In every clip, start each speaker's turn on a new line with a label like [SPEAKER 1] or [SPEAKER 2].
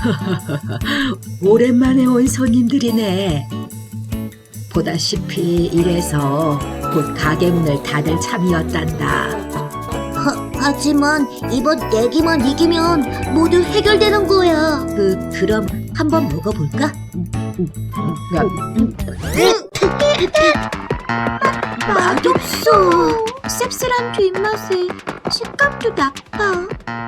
[SPEAKER 1] 오랜만에 온 손님들이네. 보다시피 이래서 곧 가게 문을 닫을 참이었단다.
[SPEAKER 2] 하지만 이번 내기만 이기면 모두 해결되는 거야. 그럼 한번 먹어볼까? 맛없어. 씁쓸한 뒷맛에 식감도 나빠.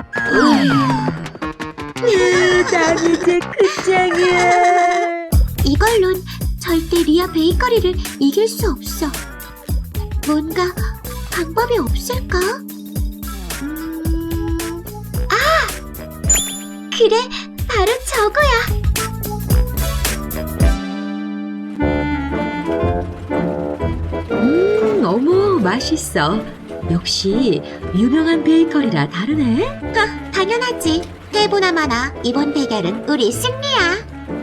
[SPEAKER 1] 난 이제 끝장이야.
[SPEAKER 2] 이걸론 절대 리아 베이커리를 이길 수 없어. 뭔가 방법이 없을까? 그래, 바로 저거야.
[SPEAKER 1] 어머, 맛있어. 역시 유명한 베이커리라 다르네.
[SPEAKER 2] 당연하지. 때보나마나 이번 대결은 우리 승리야.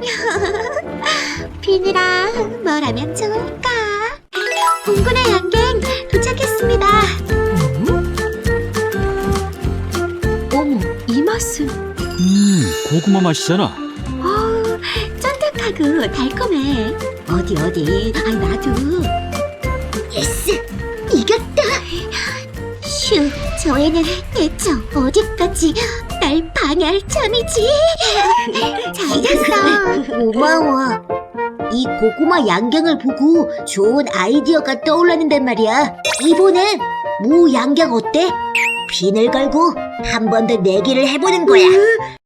[SPEAKER 2] 비니랑 뭘 하면 좋을까? 공군의 양갱 도착했습니다.
[SPEAKER 1] 어머, 이 맛은
[SPEAKER 3] 고구마 맛이잖아.
[SPEAKER 2] 쫀득하고 달콤해. 어디? 나도. 예스! 이겼다! 휴, 저 애는 대체 어디까지 날 방해할 참이지? 잘했어. 고마워. 이 고구마 양갱을 보고 좋은 아이디어가 떠올랐는단 말이야. 이번엔 무 양갱 어때? 빈을 걸고 한 번 더 내기를 해보는 거야.